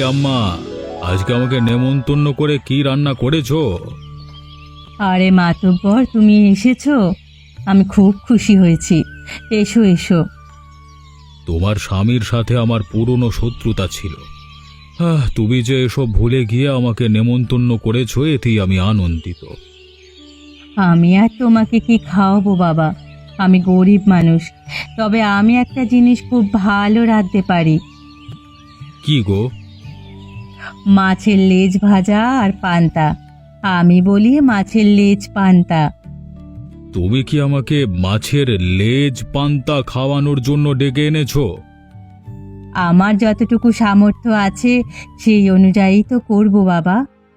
আম্মা, আজকে আমাকে নেমন্তন্ন করে কি রান্না করেছো? আরে মাতব্বর, তুমি এসেছো, আমি খুব খুশি হয়েছি। এসো এসো। তোমার স্বামীর সাথে আমার পুরনো শত্রুতা ছিল। তুমি যে এসব ভুলে গিয়ে আমাকে নেমন্তন্ন করেছো, এতেই আমি আনন্দিত। আমি আর তোমাকে কি খাওয়াবো বাবা, আমি গরিব মানুষ, তবে আমি একটা জিনিস খুব ভালো রাঁধতে পারি। কি গো? মাছের লেজ ভাজা আর পান্তা। আমি বলি মাছের লেজ পান্তা। তুমি কি আমাকে মাছের লেজ পান্তা খাওয়ানোর জন্য ডেকে এনেছো? আমার যতটুকু সামর্থ্য আছে সেই অনুযায়ী তো করব বাবা।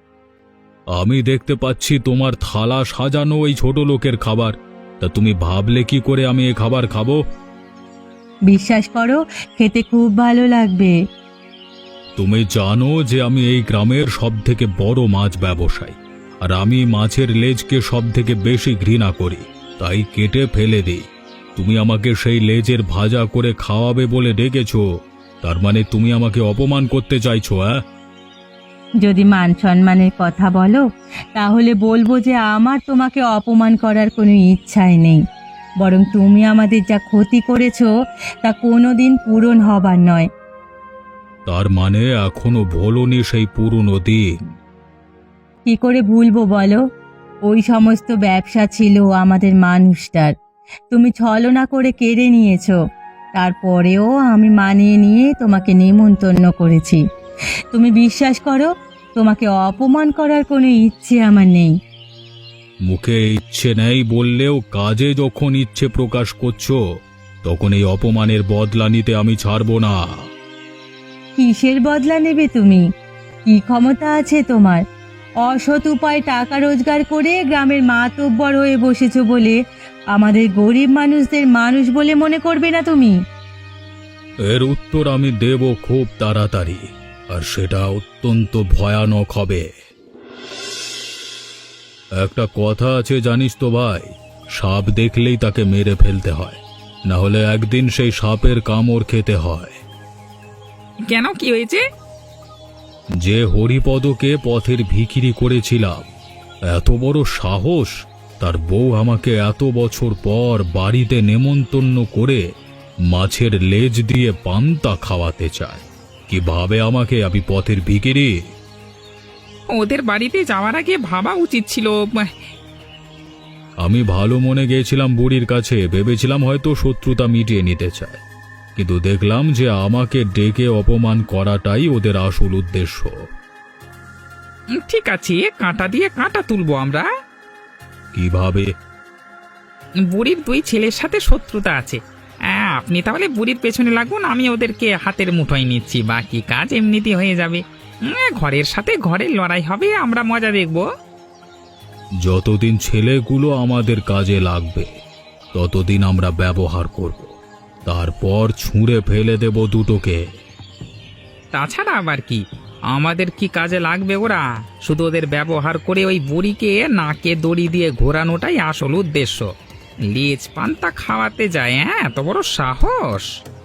আমি দেখতে পাচ্ছি তোমার থালা সাজানো এই ছোট লোকের খাবার। তা তুমি ভাবলে কি করে আমি এ খাবার খাবো? বিশ্বাস করো, খেতে খুব ভালো লাগবে। তুমি জানো যে আমি এই গ্রামের সবথেকে বড় মাছ ব্যবসায়ী, আর আমি মাছের লেজকে সবথেকে বেশি ঘৃণা করি, তাই কেটে ফেলে দিই। তুমি আমাকে সেই লেজের ভাজা করে খাওয়াবে বলে ডেকেছো, তার মানে তুমি আমাকে অপমান করতে চাইছো? যদি মান সম্মানের কথা বলো, তাহলে বলবো যে আমার তোমাকে অপমান করার কোনো ইচ্ছাই নেই, বরং তুমি আমাদের যা ক্ষতি করেছো তা কোনোদিন পূরণ হবার নয়। তার মানে এখনো ভোলনি সেই পুরনো দিন? কি করে ভুলবো বলো? ওই সমস্ত ব্যবসা ছিল আমাদের মানুষটার, তুমি ছলনা করে কেড়ে নিয়েছো। তারপরেও আমি মানিয়ে নিয়ে তোমাকে নেমন্তন্ন করেছি। তুমি বিশ্বাস করো, তোমাকে অপমান করার কোনো ইচ্ছে আমার নেই। মুখে ইচ্ছে নেই বললেও কাজে যখন ইচ্ছে প্রকাশ করছো, তখন এই অপমানের বদলা নিতে আমি ছাড়বো না। কিসের বদলা নেবে তুমি? কি ক্ষমতা আছে তোমার? অসৎ উপায় টাকা রোজগার করে গ্রামের মাতব্বর হয়ে বসেছো বলে আমাদের গরিব মানুষদের মানুষ বলে মনে করবে না তুমি? এর উত্তর আমি দেব খুব তাড়াতাড়ি, আর সেটা অত্যন্ত ভয়ানক হবে। একটা কথা আছে জানিস তো ভাই, সাপ দেখলেই তাকে মেরে ফেলতে হয়, না হলে একদিন সেই সাপের কামড় খেতে হয়। কেন, কি হয়েছে? যে হরিপদকে পথের ভিখিরি করেছিলাম, এত বড় সাহস! তার বউ আমাকে এত বছর পর বাড়িতে নেমন্তন্ন করে মাছের লেজ দিয়ে পান্তা খাওয়াতে চায়। কিভাবে আমাকে, আমি পথের ভিখিরি? ওদের বাড়িতে যাওয়ার আগে ভাবা উচিত ছিল। আমি ভালো মনে গিয়েছিলাম বুড়ির কাছে, ভেবেছিলাম হয়তো শত্রুতা মিটিয়ে নিতে চায়, কিন্তু দেখলাম যে আমাকে ডেকে অপমান করাটাই ওদের আসল উদ্দেশ্য। ঠিক আছে, কাঁটা দিয়ে কাঁটা তুলবো আমরা। কিভাবে? বুড়ির দুই ছেলের সাথে শত্রুতা আছে। আপনি তাহলে বুড়ির পেছনে লাগুন, আমি ওদেরকে হাতের মুঠোয় নিচ্ছি, বাকি কাজ এমনিতেই হয়ে যাবে। ঘরের সাথে ঘরের লড়াই হবে, আমরা মজা দেখব। যতদিন ছেলেগুলো আমাদের কাজে লাগবে ততদিন আমরা ব্যবহার করব, তারপর ছুঁড়ে ফেলে দেব দুটোকে। তাছাড়া আবার কি, আমাদের কি কাজে লাগবে ওরা? শুধু ওদের ব্যবহার করে ওই বুড়িকে নাকে দড়ি দিয়ে ঘোরানোটাই আসল উদ্দেশ্য। লেজ পান্তা খাওয়াতে যায়, এত বড় সাহস!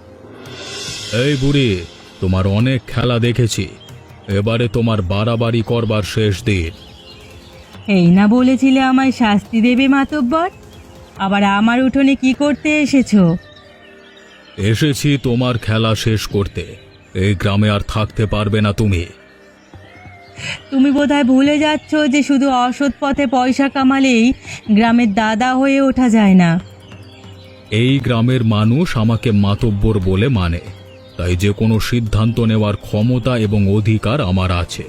এই বুড়ি, তোমার অনেক খেলা দেখেছি, এবারে তোমার বাড়াবাড়ি করবার শেষ দিন। এই না বলেছিলে আমায় শাস্তি দেবে মাতব্বর? আবার আমার উঠোনে কি করতে এসেছো? এসেছি তোমার খেলা শেষ করতে। এই গ্রামে আর থাকতে পারবে না তুমি। তুমি বোধহয় ভুলে যাচ্ছ যে শুধু অসৎ পথে পয়সা কামালেই গ্রামের দাদা হয়ে ওঠা যায় না। এই গ্রামের মানুষ আমাকে মাতব্বর বলে মানে, তাই যে কোনো সিদ্ধান্ত নেওয়ার ক্ষমতা এবং অধিকার আমার আছে।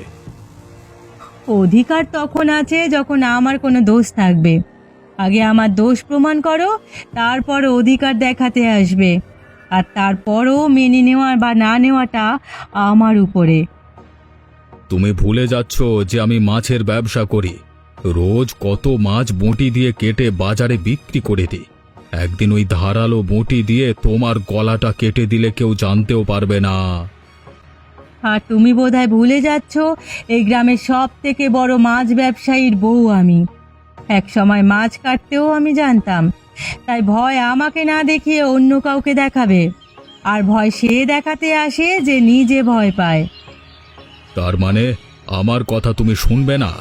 অধিকার তখন আছে যখন আমার কোনো দোষ থাকবে। আগে আমার দোষ প্রমাণ করো, তারপর অধিকার দেখাতে আসবে। আর তারপরও মেনে নেওয়া বা না নেওয়াটা আমার উপরে। তুমি ভুলে যাচ্ছ যে আমি মাছের ব্যবসা করি। রোজ কত মাছ বঁটি দিয়ে কেটে বাজারে বিক্রি করে দিই। একদিন ওই ধারালো বঁটি দিয়ে তোমার গলাটা কেটে দিলে কেউ জানতেও পারবে না। আর তুমি বোধহয় ভুলে যাচ্ছ এই গ্রামের সব থেকে বড় মাছ ব্যবসায়ীর বউ আমি। এক সময় মাছ কাটতেও আমি জানতাম, তাই ভয় আমাকে না দেখিয়ে অন্য কাউকে দেখাবে। আর ভয় সে দেখাতে আসে যে নিজে ভয় পায়। তার মানে আমার কথা তুমি শুনবে না?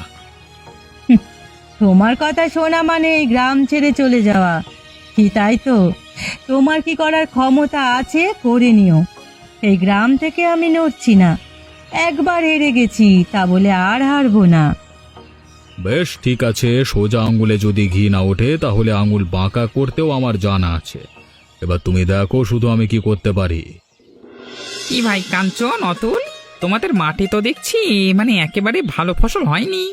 তোমার কথা শোনা মানে এই গ্রাম ছেড়ে চলে যাওয়া, কি তাই তো? তোমার কি করার ক্ষমতা আছে করে নিও। এই গ্রাম থেকে আমি নড়ছি না। একবার হেরে গেছি তা বলে আর হারবো না। বেশ ঠিক আছে, সোজা আঙুলে যদি ঘি না ওঠে তাহলে আঙুল বাঁকা করতেও আমার জানা আছে। এবার তুমি দেখো শুধু আমি কি করতে পারি। কি ভাই কাঞ্চন, অতুল, তোমাদের মাঠে তো দেখছি মানে একেবারে ভালো ফসল হয়নি।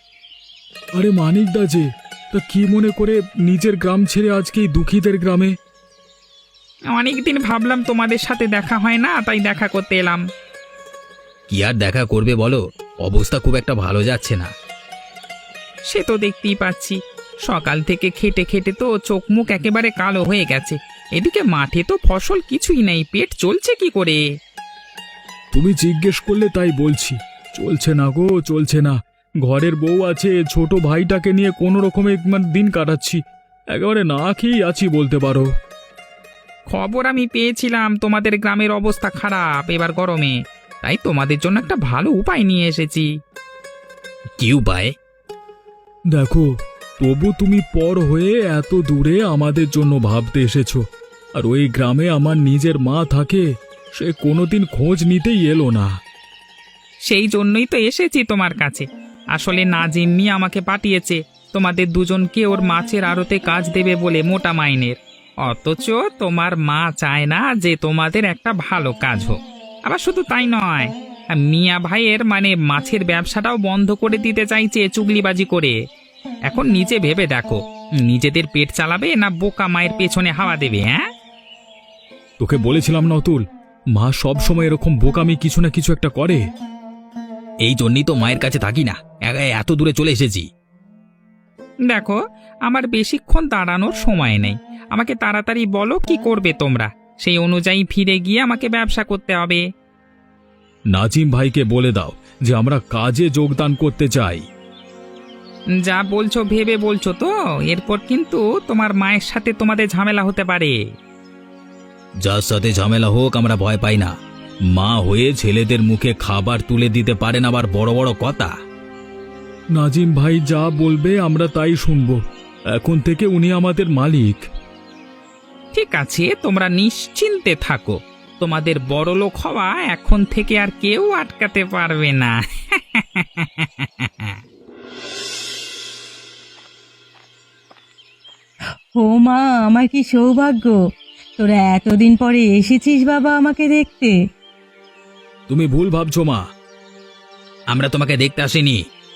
আরে মানিক দা যে, তা কি মনে করে নিজের গ্রাম ছেড়ে আজকে এই দুঃখীদের গ্রামে? অনেকদিন ভাবলাম তোমাদের সাথে দেখা হয় না, তাই দেখা করতে এলাম। কি আর দেখা করবে বলো, অবস্থা খুব একটা ভালো যাচ্ছে না। সে তো দেখতেই পাচ্ছি, সকাল থেকে খেটে খেটে তো চোখ মুখ একেবারে কালো হয়ে গেছে। এদিকে মাঠে তো ফসল কিছুই নেই, পেট চলছে কি করে? তুমি জিজ্ঞেস করলে তাই বলছি, চলছে না গো, চলছে না। ঘরের বউ আছে, ছোট ভাইটাকে নিয়ে কোনো রকমে দিন কাটাচ্ছি। একেবারে না খেয়েই আছি বলতে পারো। খবর আমি পেয়েছিলাম তোমাদের গ্রামের অবস্থা খারাপ এবার গরমে, তাই তোমাদের জন্য একটা ভালো উপায় নিয়ে এসেছি। কি উপায়? দেখো, তবু তুমি পর হয়ে এত দূরে আমাদের জন্য ভাবতে এসেছো, আর ওই গ্রামে আমার নিজের মা থাকে, সে কোনোদিন খোঁজ নিতেই এলো না। সেই জন্যই তো এসেছি তোমার কাছে। আসলে নাজিম মিয়া আমাকে পাঠিয়েছে তোমাদের দুজনকে ওর মাছের আড়তে কাজ দেবে বলে মোটা মাইনের। অথচ তোমার মা চায় না যে তোমাদের একটা ভালো কাজ হোক। আবার শুধু তাই নয়, মিয়া ভাইয়ের মানে মাছের ব্যবসাটাও বন্ধ করে দিতে চাইছে চুগলিবাজি করে। এখন নিজে ভেবে দেখো, নিজেদের পেট চালাবে না বোকা মায়ের পেছনে হাওয়া দেবে? হ্যাঁ, তোকে বলেছিলাম না অতুল, মা সব সময় এরকম বোকামি কিছু না কিছু একটা করে। এই জন্যই তো মায়ের কাছে থাকি না, এত দূরে চলে এসেছি। দেখো, আমার বেশিক্ষণ দাঁড়ানোর সময় নেই। আমাকে তাড়াতাড়ি বলো কি করবে তোমরা, সেই অনুযায়ী ফিরে গিয়ে আমাকে ব্যবসা করতে হবে। নাজিম ভাইকে বলে দাও যে আমরা কাজে যোগদান করতে চাই। যা বলছো ভেবে বলছো তো? এরপর কিন্তু তোমার মায়ের সাথে তোমাদের ঝামেলা হতে পারে। যার সাথে ঝামেলা হোক আমরা ভয় পাই না। মা হয়ে ছেলেদের মুখে খাবার তুলে দিতে পারেন আবার বড় বড় কথা। নাজিম ভাই যা বলবে আমরা তাই শুনবো। এখন থেকে উনি আমাদের মালিক। ঠিক আছে, তোমরা নিশ্চিন্তে থাকো। তোমাদের বড়লোক হওয়া এখন থেকে আর কেউ আটকাতে পারবে না। ও মা, আমার কি সৌভাগ্য! তোরা এতদিন পরে এসেছিস বাবা আমাকে দেখতে। তুমি ভুল ভাবছো মা, আমরা তোমাকে দেখতে আসিনি।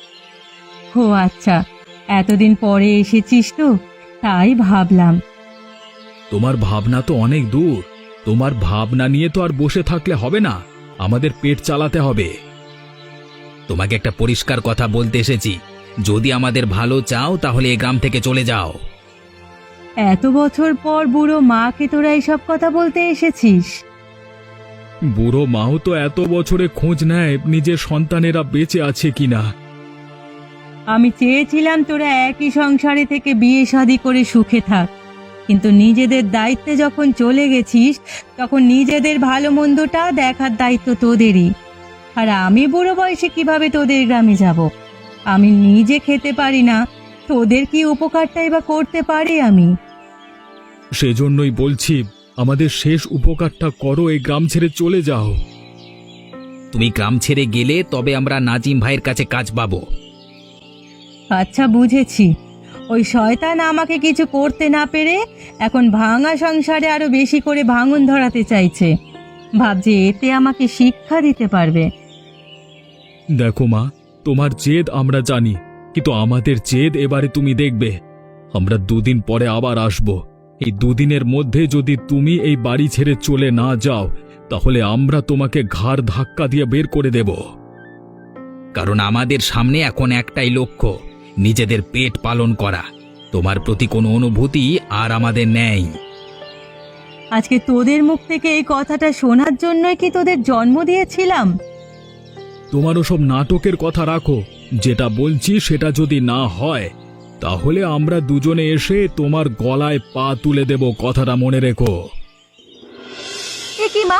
ও আচ্ছা, এতদিন পরে এসেছিস তো তাই ভাবলাম। তোমার ভাবনা তো অনেক দূর। তোমার ভাবনা নিয়ে তো আর বসে থাকলে হবে না, আমাদের পেট চালাতে হবে। তোমাকে একটা পরিষ্কার কথা বলতে এসেছি, যদি আমাদের ভালো চাও তাহলে এই গ্রাম থেকে চলে যাও। এত বছর পর বুড়ো মাকে তোরা এসব কথা বলতে এসেছিস? বুড়ো মাও তো এত বছরে খোঁজ নেয় নিজের সন্তানেরা বেঁচে আছে কিনা। আমি চেয়েছিলাম তোরা একই সংসারে থেকে বিয়ে শাদী করে সুখে থাক, কিন্তু নিজেদের দায়িত্বে যখন চলে গেছিস তখন নিজেদের ভালো মন্দটা দেখার দায়িত্ব তোদেরই। আর আমি বুড়ো বয়সে কিভাবে তোদের গ্রামে যাব? আমি নিজে খেতে পারি না, তোদের কি উপকারটাই বা করতে পারি আমি? সেজন্যই বলছি, আমাদের শেষ উপকারটা করো, এই গ্রাম ছেড়ে চলে যাও। তুমি গ্রাম ছেড়ে গেলে তবে আমরা নাজিম ভাইয়ের কাছে কাজ পাবো। আচ্ছা বুঝেছি, ওই শয়তান আমাকে কিছু করতে না পেরে এখন ভাঙা সংসারে আরো বেশি করে ভাঙন ধরাতে চাইছে। ভাবছে এতে আমাকে শিক্ষা দিতে পারবে। দেখো মা, তোমার জেদ আমরা জানি, কিন্তু আমাদের জেদ এবারে তুমি দেখবে। আমরা দুদিন পরে আবার আসব। এই দুদিনের মধ্যে যদি তুমি এই বাড়ি ছেড়ে চলে না যাও তাহলে আমরা তোমাকে ঘাড় ধাক্কা দিয়ে বের করে দেব। কারণ আমাদের সামনে এখন একটাই লক্ষ্য, নিজেদের পেট পালন করা। তোমার প্রতি কোনো অনুভূতি আর আমাদের নেই। আজকে তোদের মুখ থেকে এই কথাটা শোনার জন্যই কি তোদের জন্ম দিয়েছিলাম? তোমারও সব নাটকের কথা রাখো। যেটা বলছি সেটা যদি না হয় তাহলে আমরা দুজনে এসে তোমার গলায় পা তুলে দেব, কথাটা মনে রেখো। এ কি মা,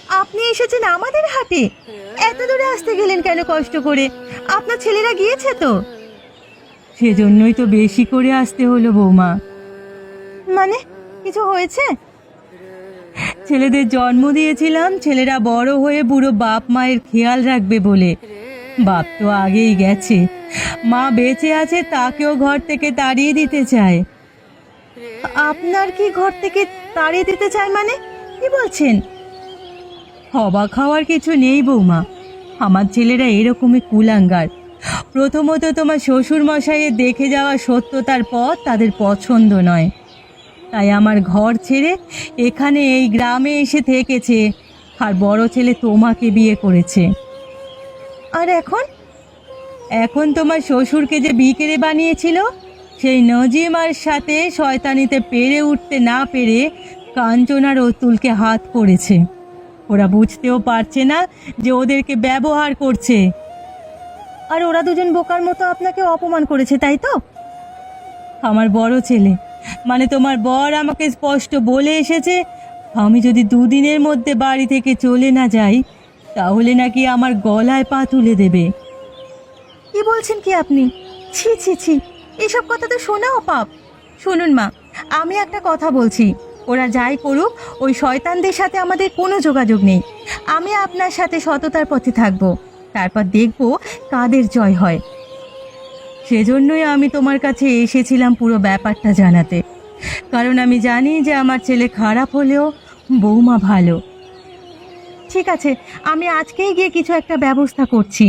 আপনি এসেছেন আমাদের হাটে? এত দূরে আসতে গেলেন কেন কষ্ট করে? আপনার ছেলেরা গিয়েছে তো? সেজন্যই তো বেশি করে আসতে হলো বৌমা। মানে কিছু হয়েছে? ছেলেদের জন্ম দিয়েছিলাম ছেলেরা বড় হয়ে বুড়ো বাপ মায়ের খেয়াল রাখবে বলে। বাপ তো আগেই গেছে, মা বেঁচে আছে, তাকেও ঘর থেকে তাড়িয়ে দিতে চায়। আপনার কি ঘর থেকে তাড়িয়ে দিতে চায় মানে? কি বলছেন? অবাক হওয়ার কিছু নেই বৌমা, আমার ছেলেরা এরকমই কুলাঙ্গার। প্রথমত তোমার শ্বশুর মশাইয়ের দেখে যাওয়া সত্যতার পথ তাদের পছন্দ নয়, তাই আমার ঘর ছেড়ে এখানে এই গ্রামে এসে থেকেছে, আর বড় ছেলে তোমাকে বিয়ে করেছে। আর এখন এখন তোমার শ্বশুরকে যে বিকেরে বানিয়েছিল, সেই নজিমার সাথে শয়তানিতে পেরে উঠতে না পেরে কাঞ্চনার অতুলকে হাত করেছে। ওরা বুঝতেও পারছে না যে ওদেরকে ব্যবহার করছে। আর ওরা দুজন বোকার মতো আপনাকে অপমান করেছে, তাই তো? আমার বড় ছেলে মানে তোমার বর আমাকে স্পষ্ট বলে এসেছে, আমি যদি দুদিনের মধ্যে বাড়ি থেকে চলে না যাই তাহলে নাকি আমার গলায় পা তুলে দেবে। কি বলছেন কি আপনি? ছি ছি ছি, এসব কথা তো শোনাও পাপ। শুনুন মা, আমি একটা কথা বলছি, ওরা যাই করুক ওই শয়তানদের সাথে আমাদের কোনো যোগাযোগ নেই। আমি আপনার সাথে সততার পথে থাকবো, তারপর দেখব কাদের জয় হয়। সেজন্যই আমি তোমার কাছে এসেছিলাম পুরো ব্যাপারটা জানাতে, কারণ আমি জানি যে আমার ছেলে খারাপ হলেও বৌমা ভালো। ঠিক আছে, আমি আজকেই গিয়ে কিছু একটা ব্যবস্থা করছি।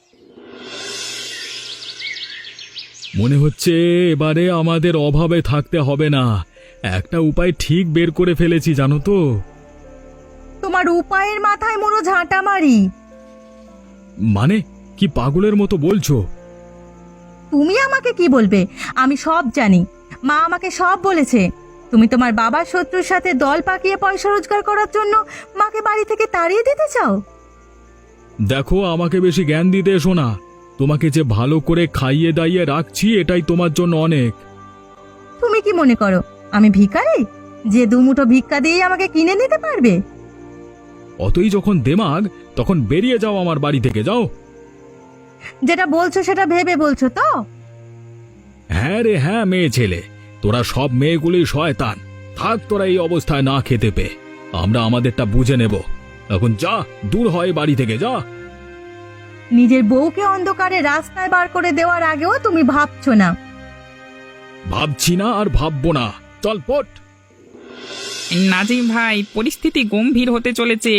মনে হচ্ছে এবারে আমাদের অভাবে থাকতে হবে না, একটা উপায় ঠিক বের করে ফেলেছি জানো তো। তোমার উপায়ের মাথায় মোড়ো ঝাঁটা মারি। মানে কি পাগলের মতো বলছো? তুমি আমাকে কি বলবে? আমি সব জানি, মা আমাকে সব বলেছে। তুমি তোমার বাবার শত্রুর সাথে দল পাকিয়ে পয়সা রোজগার করার জন্য মাকে বাড়ি থেকে তাড়িয়ে দিতে চাও। দেখো, আমাকে বেশি জ্ঞান দিতে এসো না। তোমাকে যে ভালো করে খাইয়ে দাইয়ে রাখছি এটাই তোমার জন্য অনেক। তুমি কি মনে করো আমি ভিখারি যে দুমুঠো ভিক্ষা দিয়ে আমাকে কিনে নিতে পারবে? অতই যখন দেমাগ তখন বেরিয়ে যাও আমার বাড়ি থেকে, যাও। যেটা বলছো সেটা ভেবে বলছো তো? হ্যাঁ রে হ্যাঁ, মেয়ে ছেলে, তোরা সব মেয়েগুলি শয়তান। থাক তোরা এই অবস্থায় না খেতে পেয়ে, আমরা আমাদেরটা বুঝে নেব। এখন যা, দূর হয় বাড়ি থেকে, যা। নিজের বউকে অন্ধকারে রাস্তায় বার করে দেওয়ার আগেও তুমি ভাবছো না। ভাবছি না আর ভাববো না, চল পট। নাজিম ভাই, পরিস্থিতি গম্ভীর হতে চলেছে।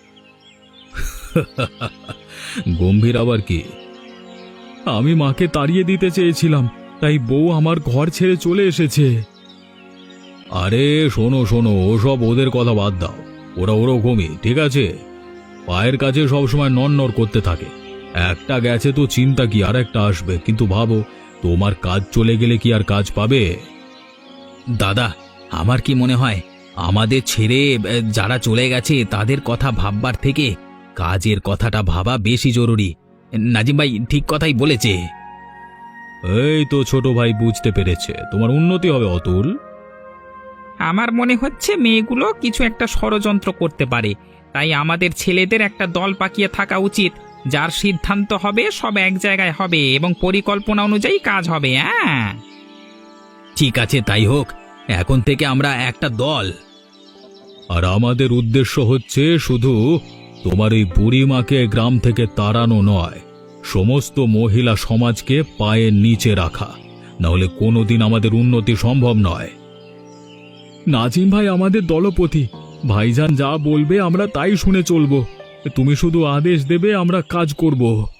গম্ভীর আবার কি? আমি মাকে তাড়িয়ে দিতে চেয়েছিলাম, তাই বউ আমার ঘর ছেড়ে চলে এসেছে। আরে শোনো শোনো, ওসব ওদের কথা বাদ দাও, ওরা ওরকমই, ঠিক আছে? পায়ের কাছে সবসময় নড় করতে থাকে। একটা গেছে তো চিন্তা কি, আর একটা আসবে। কিন্তু ভাবো, তোমার কাজ চলে গেলে কি আর কাজ পাবে? দাদা, আমার কি মনে হয় আমাদের ছেড়ে যারা চলে গেছে তাদের কথা ভাববার থেকে কাজের কথাটা ভাবা বেশি জরুরি। নাজিম ভাই ঠিক কথাই বলেছে। এই তো ছোট ভাই বুঝতে পেরেছে, তোমার উন্নতি হবে অতুল। আমার মনে হচ্ছে মেয়েগুলো কিছু একটা ষড়যন্ত্র করতে পারে, তাই আমাদের ছেলেদের একটা দল পাকিয়ে থাকা উচিত। যার সিদ্ধান্ত হবে সব এক জায়গায় হবে এবং পরিকল্পনা অনুযায়ী কাজ হবে। হ্যাঁ ঠিক আছে, তাই হোক। এখন থেকে আমরা একটা দল। আর আমাদের উদ্দেশ্য হচ্ছে শুধু তোমার এই বুড়িমাকে গ্রাম থেকে তাড়ানো নয়, সমস্ত মহিলা সমাজকে পায়ের নিচে রাখা, নাহলে কোনোদিন আমাদের উন্নতি সম্ভব নয়। নাজিম ভাই আমাদের দলপতি, ভাইজান যা বলবে আমরা তাই শুনে চলবো। তুমি শুধু আদেশ দেবে, আমরা কাজ করব।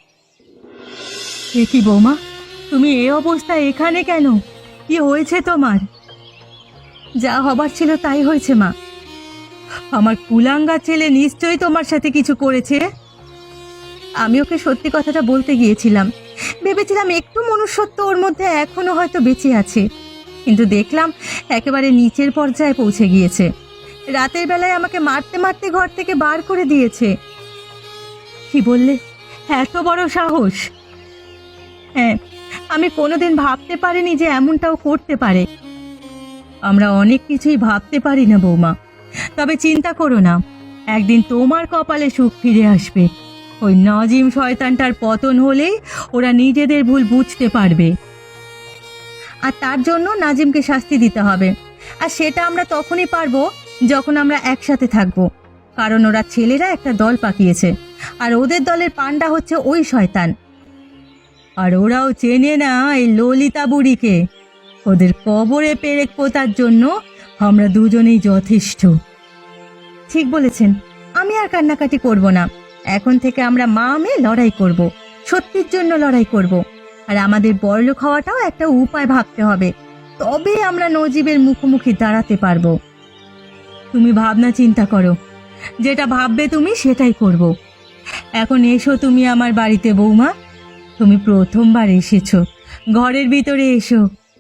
এ কি বৌমা, তুমি এই অবস্থায় এখানে কেন? কি হয়েছে তোমার? যা হবার ছিল তাই হয়েছে মা। আমার কুলাঙ্গা ছেলে নিশ্চয়ই তোমার সাথে কিছু করেছে। আমি ওকে সত্যি কথাটা বলতে গিয়েছিলাম, ভেবেছিলাম একটু মনুষ্যত্ব ওর মধ্যে এখনো হয়তো বেঁচে আছে, কিন্তু দেখলাম একেবারে নিচের পর্যায়ে পৌঁছে গিয়েছে। রাতের বেলায় আমাকে মারতে মারতে ঘর থেকে বার করে দিয়েছে। কি বললে? এত বড় সাহস! হ্যাঁ, আমি কোনোদিন ভাবতে পারিনি যে এমনটাও করতে পারে। আমরা অনেক কিছুই ভাবতে পারি না বৌমা, তবে চিন্তা করো না, একদিন তোমার কপালে সুখ ফিরে আসবে। ওই নাজিম শয়তানটার পতন হলেই ওরা নিজেদের ভুল বুঝতে পারবে। আর তার জন্য নাজিমকে শাস্তি দিতে হবে। আর সেটা আমরা তখনই পারবো যখন আমরা একসাথে থাকবো। কারণ ওরা ছেলেরা একটা দল পাকিয়েছে, আর ওদের দলের পান্ডা হচ্ছে ওই শয়তান। আর ওরাও চেনে না এই ললিতা বুড়িকে। ওদের কবরে পেরেক পোতার জন্য আমরা দুজনেই যথেষ্ট। ঠিক বলেছেন, আমি আর কান্নাকাটি করব না। এখন থেকে আমরা মা মেয়ে লড়াই করব, সত্যির জন্য লড়াই করব। আর আমাদের বড়লোক হওয়াটাও একটা উপায় ভাবতে হবে, তবে আমরা নজিবের মুখোমুখি দাঁড়াতে পারবো। তুমি ভাবনা চিন্তা করো, যেটা ভাববে তুমি সেটাই করব। এখন এসো তুমি আমার বাড়িতে বৌমা, তুমি প্রথমবার এসেছো, ঘরের ভিতরে এসো।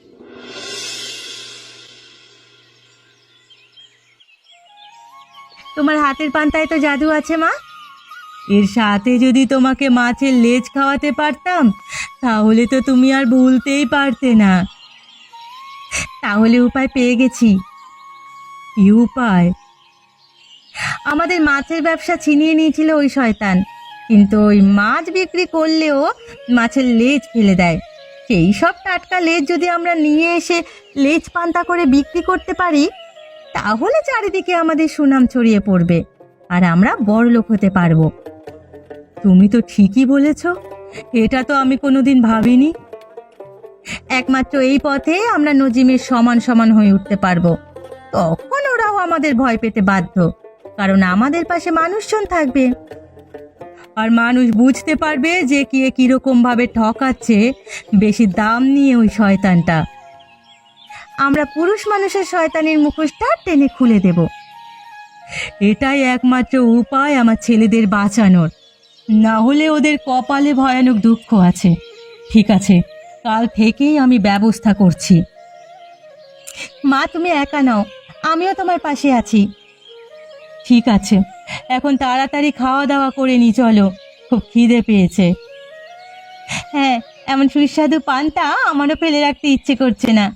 তোমার হাতের পান্তায় তো জাদু আছে মা। এর সাথে যদি তোমাকে মাছের লেজ খাওয়াতে পারতাম, তাহলে তো তুমি আর ভুলতেই পারতে না। তাহলে উপায় পেয়ে গেছি। কি উপায়? আমাদের মাছের ব্যবসা ছিনিয়ে নিয়েছিল ওই শয়তান, কিন্তু ওই মাছ বিক্রি করলেও মাছের লেজ ফেলে দেয়। সেই সব টাটকা লেজ যদি আমরা নিয়ে এসে লেজ পান্তা করে বিক্রি করতে পারি, তাহলে চারিদিকে আমাদের সুনাম ছড়িয়ে পড়বে, আর আমরা বড়লোক হতে পারবো। তুমি তো ঠিকই বলেছ, এটা তো আমি কোনোদিন ভাবিনি। একমাত্র এই পথে আমরা নজিমের সমান সমান হয়ে উঠতে পারবো। তখন ওরাও আমাদের ভয় পেতে বাধ্য, কারণ আমাদের পাশে মানুষজন থাকবে। আর মানুষ বুঝতে পারবে যে কে কিরকম ভাবে ঠকাচ্ছে বেশি দাম নিয়ে ওই শয়তানটা। আমরা পুরুষ মানুষের শয়তানির মুখোশটা টেনে খুলে দেব। এটাই একমাত্র উপায় আমার ছেলেদের বাঁচানোর, না হলে ওদের কপালে ভয়ানক দুঃখ আছে। ঠিক আছে, কাল থেকেই আমি ব্যবস্থা করছি। মা, তুমি একা নাও, আমিও তোমার পাশে আছি। ঠিক আছে, এখন তাড়াতাড়ি খাওয়া দাওয়া করে নি, চলো, খুব খিদে পেয়েছে। হ্যাঁ, এমন সুস্বাদু পান্তা আমারও ফেলে রাখতে ইচ্ছে করছে না।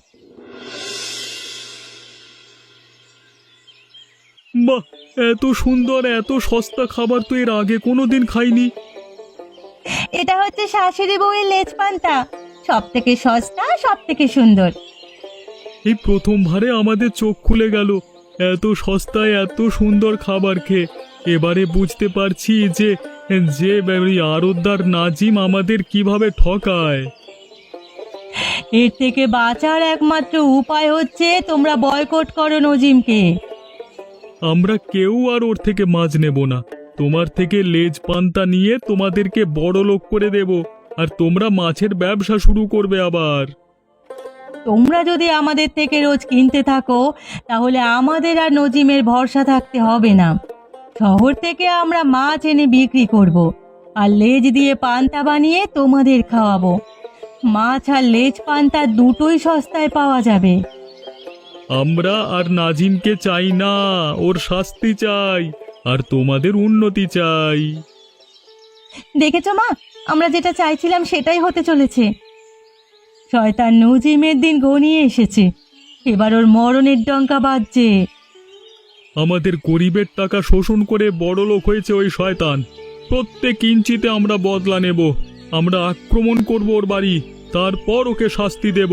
বাহ, এত সুন্দর এত সস্তা খাবার তো এর আগে কোনোদিন খাইনি। এটা হচ্ছে শাশুড়ি বউয়ের লেজ পান্তা, সব থেকে সস্তা, সব থেকে সুন্দর। এই প্রথমবারে আমাদের চোখ খুলে গেল এত সস্তায় এত সুন্দর খাবার খেয়ে। এবারে বুঝতে পারছি যে যে আরতদার নাজিম আমাদের কিভাবে ঠকায়। এর থেকে বাঁচার একমাত্র উপায় হচ্ছে তোমরা বয়কট করো নজিমকে। আমরা কেউ আর ওর থেকে মাছ নেব না। তোমার থেকে লেজ পান্তা নিয়ে তোমাদেরকে বড় লোক করে দেব, আর তোমরা মাছের ব্যবসা শুরু করবে আবার। তোমরা যদি আমাদের থেকে রোজ কিনতে থাকো, তাহলে আমাদের আর নজিমের ভরসা থাকতে হবে না। শহর থেকে আমরা মাছ এনে বিক্রি করব, আর লেজ দিয়ে পান্তা বানিয়ে তোমাদের খাওয়াবো। মাছ আর লেজ পান্তা দুটোই সস্তায় পাওয়া যাবে। আমরা আর নাজিমকে চাই না, ওর শাস্তি চাই, আর তোমাদের উন্নতি চাই। দেখেছো মা, আমরা যেটা চাইছিলাম সেটাই হতে চলেছে। শয়তান নজিমের দিন ঘনিয়ে এসেছে, এবার ওর মরণের ডঙ্কা বাজছে। আমাদের গরিবের টাকা শোষণ করে বড় লোক হয়েছে ওই শয়তান। প্রত্যেক ইঞ্চিতে আমরা বদলা নেব। আমরা আক্রমণ করব ওর বাড়ি, তারপর ওকে শাস্তি দেব।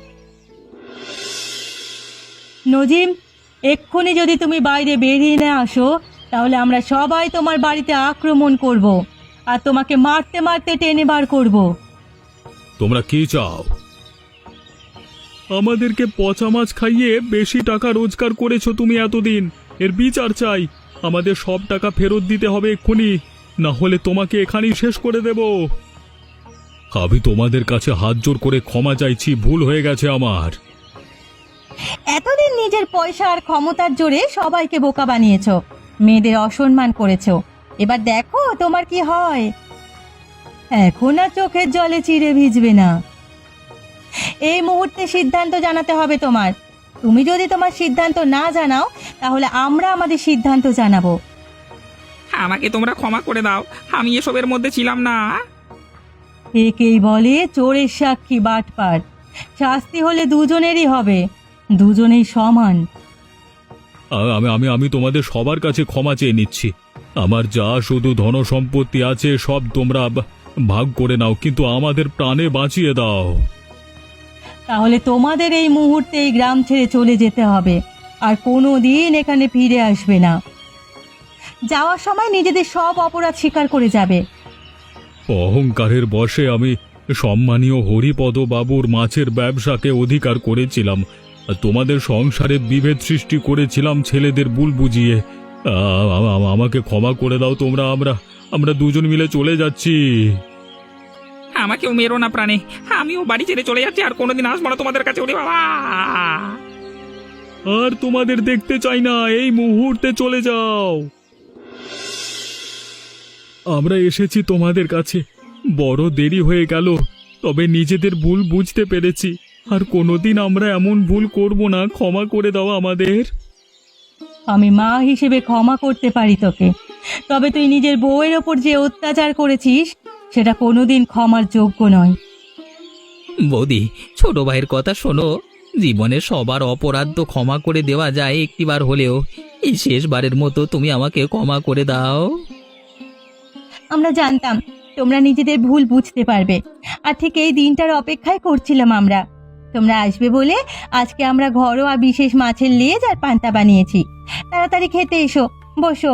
নজিম, এক্ষুনি যদি তুমি বাইরে বেরিয়ে না আসো, তাহলে আমরা সবাই তোমার বাড়িতে আক্রমণ করব, আর তোমাকে মারতে মারতে টেনে বার করব। তোমরা কি চাও? আমাদেরকে পচা মাছ খাইয়ে বেশি টাকা রোজগার করেছো তুমি এতদিন, এর বিচার চাই। আমাদের সব টাকা ফেরত দিতে হবে এক্ষুনি, না হলে তোমাকে এখানেই শেষ করে দেব। আমি তোমাদের কাছে হাত জোর করে ক্ষমা চাইছি, ভুল হয়ে গেছে আমার। এতদিন নিজের পয়সা আর ক্ষমতার জোরে সবাইকে বোকা বানিয়েছো, মেয়েদের অসম্মান করেছো। এবার দেখো তোমার কি হয়। এখন আর চোখের জলে চিড়ে ভিজবে না। এই মুহূর্তে সিদ্ধান্ত জানাতে হবে তোমার। তুমি যদি তোমার সিদ্ধান্ত না জানাও, তাহলে আমরা আমাদের সিদ্ধান্ত জানাবো। আমাকে তোমরা ক্ষমা করে দাও, আমি এসবের মধ্যে ছিলাম না। একেই বলে চোরের সাক্ষী বাটপার। শাস্তি হলে দুজনেরই হবে, দুজনেই সমান। আমি আমি আমি তোমাদের সবার কাছে ক্ষমা চেয়ে নিচ্ছি। আমার যা শুধু ধন সম্পত্তি আছে সব তোমরা ভাগ করে নাও, কিন্তু আমাদের প্রাণে বাঁচিয়ে দাও। তাহলে তোমাদের এই মুহূর্তে এই গ্রাম ছেড়ে চলে যেতে হবে, আর কোনো দিন এখানে ফিরে আসবে না। যাওয়ার সময় নিজেদের সব অপরাধ স্বীকার করে যাবে। অহংকারের বশে আমি সম্মানীয় হরিপদ বাবুর মাছের ব্যবসাকে অধিকার করেছিলাম, আর তোমাদের সংসারে বিভেদ সৃষ্টি করেছিলাম ছেলেদের ভুল বুঝিয়ে। আমাকে ক্ষমা করে দাও তোমরা। আমরা আমরা দুজন মিলে চলে যাচ্ছি। আমাকেও মেরো না প্রাণে, আমিও বাড়ি ছেড়ে চলে যাচ্ছি, আর কোনোদিন আসবো না তোমাদের কাছে। ওরে বাবা! আর তোমাদের দেখতে চাই না, এই মুহূর্তে চলে যাও। আমরা এসেছি তোমাদের কাছে, বড় দেরি হয়ে গেল, তবে নিজেদের ভুল বুঝতে পেরেছি। আর কোনোদিন আমরা এমন ভুল করব না, ক্ষমা করে দাও আমাদের। আমি মা হিসেবে ক্ষমা করতে পারি তোকে, তবে তুই নিজের বউয়ের ওপর যে অত্যাচার করেছিস সেটা কোনোদিন ক্ষমার যোগ্য নয়। বৌদি, ছোট ভাইয়ের কথা শোনো। জীবনে সবার অপরাধ তো ক্ষমা করে দেওয়া যায় একটিবার হলেও। এই শেষবারের মতো তুমি আমাকে ক্ষমা করে দাও। আমরা জানতাম তোমরা নিজেদের ভুল বুঝতে পারবে, আর ঠিক এই দিনটার অপেক্ষায় করছিলাম আমরা। তোমরা আসবে বলে আজকে আমরা ঘরোয়া বিশেষ মাছের লেজ আর পান্তা বানিয়েছি। তাড়াতাড়ি খেতে এসো, বসো।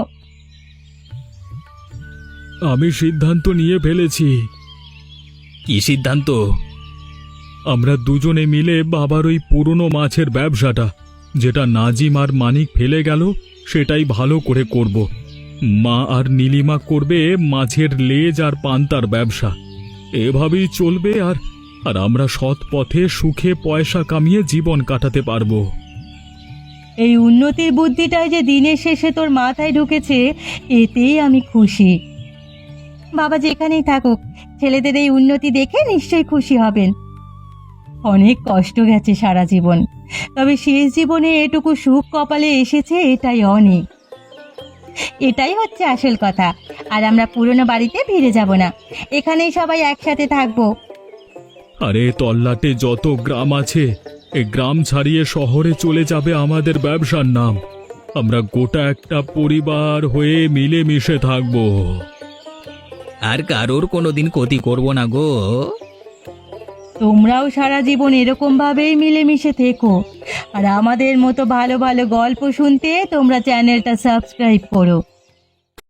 আমি সিদ্ধান্ত নিয়ে ফেলেছি। কি সিদ্ধান্ত? আমরা দুজনে মিলে বাবার ওই পুরনো মাছের ব্যবসাটা, যেটা নাজিম আর মানিক ফেলে গেল, সেটাই ভালো করে করব। মা আর নীলিমা করবে মাছের লেজ আর পান্তার ব্যবসা। এভাবেই চলবে, আর আর আমরা সৎ পথে সুখে পয়সা কামিয়ে জীবন কাটাতে পারবো। এই উন্নতির বুদ্ধিটাই যে দিনের শেষে তোর মাথায় ঢুকেছে, এতেই আমি খুশি। বাবা যেখানেই থাকুক, ছেলেদের এই উন্নতি দেখে নিশ্চয়ই খুশি হবেন। অনেক কষ্ট গেছে সারা জীবন, তবে শেষ জীবনে এটুকু সুখ কপালে এসেছে, এটাই অনেক। এটাই হচ্ছে আসল কথা। আর আমরা পুরনো বাড়িতে ফিরে যাব না, এখানেই সবাই একসাথে থাকবো। আরে তল্লাটে যত গ্রাম আছে, এই গ্রাম ছাড়িয়ে শহরে চলে যাবে আমাদের ব্যবসার নাম। আমরা গোটা একটা পরিবার হয়ে মিলেমিশে থাকবো। আর কারোর কোনোদিন ক্ষতি করব না গো। তোমরাও সারা জীবন এরকম ভাবেই মিলেমিশে থেকো, আর আমাদের মতো ভালো ভালো গল্প শুনতে তোমরা চ্যানেলটা সাবস্ক্রাইব করো।